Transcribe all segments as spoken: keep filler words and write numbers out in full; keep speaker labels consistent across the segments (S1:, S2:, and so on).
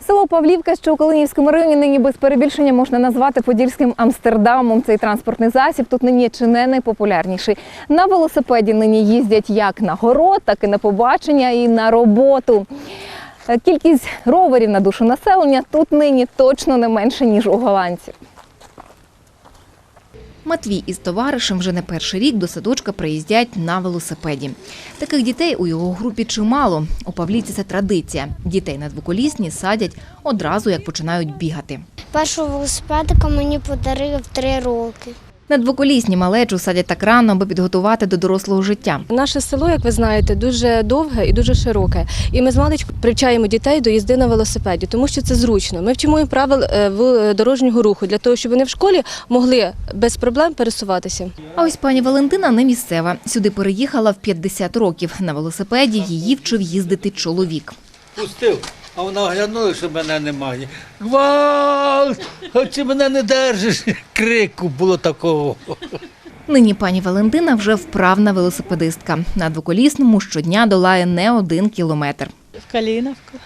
S1: Село Павлівка, що у Калинівському районі, нині без перебільшення можна назвати подільським Амстердамом. Цей транспортний засіб тут нині чи не найпопулярніший. На велосипеді нині їздять як на город, так і на побачення і на роботу. Кількість роверів на душу населення тут нині точно не менше, ніж у голландців.
S2: Матвій із товаришем вже не перший рік до садочка приїздять на велосипеді. Таких дітей у його групі чимало. У Павлівці це традиція. Дітей на двоколісні садять одразу, як починають бігати.
S3: Першого велосипедика мені подарили в три роки.
S2: На двоколісні малечу садять так рано, аби підготувати до дорослого життя.
S4: Наше село, як ви знаєте, дуже довге і дуже широке. І ми з маличку привчаємо дітей до їзди на велосипеді, тому що це зручно. Ми вчимо їм правил дорожнього руху, для того, щоб вони в школі могли без проблем пересуватися.
S2: А ось пані Валентина не місцева. Сюди переїхала в п'ятдесят років. На велосипеді її вчив їздити чоловік.
S5: Пустив, а вона оглянула, що мене немає. Гвалт! Чи мене не держиш? Крику було такого.
S2: Нині пані Валентина вже вправна велосипедистка. На двоколісному щодня долає не один кілометр.
S6: В Калиновку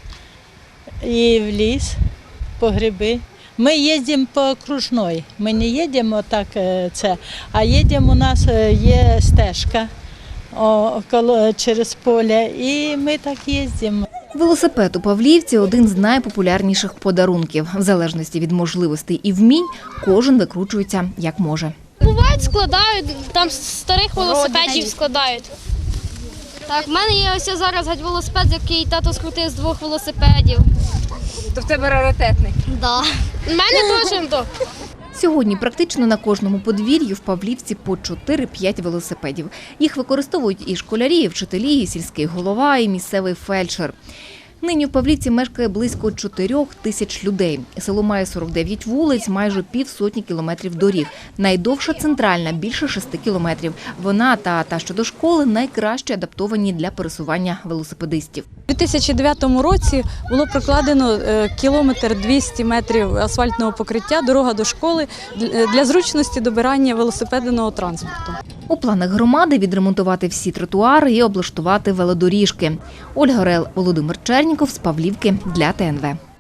S6: і в ліс, по гриби. Ми їздимо по окружної. Ми не їдемо так, це, а їдемо, у нас є стежка около, через поле, і ми так їздимо.
S2: Велосипед у Павлівці – один з найпопулярніших подарунків. В залежності від можливостей і вмінь кожен викручується як може.
S7: Бувають, складають, там старих велосипедів складають. Так, в мене є ось зараз геть велосипед, який тато скрутив з двох велосипедів.
S1: То в тебе раритетний?
S7: Так. У мене теж то.
S2: Сьогодні практично на кожному подвір'ї в Павлівці по чотири-п'ять велосипедів. Їх використовують і школярі, і вчителі, і сільський голова, і місцевий фельдшер. Нині в Павлівці мешкає близько чотирьох тисяч людей. Село має сорок дев'ять вулиць, майже півсотні кілометрів доріг. Найдовша центральна – більше шести кілометрів. Вона та та, що до школи, найкраще адаптовані для пересування велосипедистів.
S4: У дві тисячі дев'ятому році було прокладено кілометр двісті метрів асфальтного покриття, дорога до школи, для зручності добирання велосипедного транспорту.
S2: У планах громади відремонтувати всі тротуари і облаштувати велодоріжки. Ольга Орел, Володимир Черніков з Павлівки для Т Н В.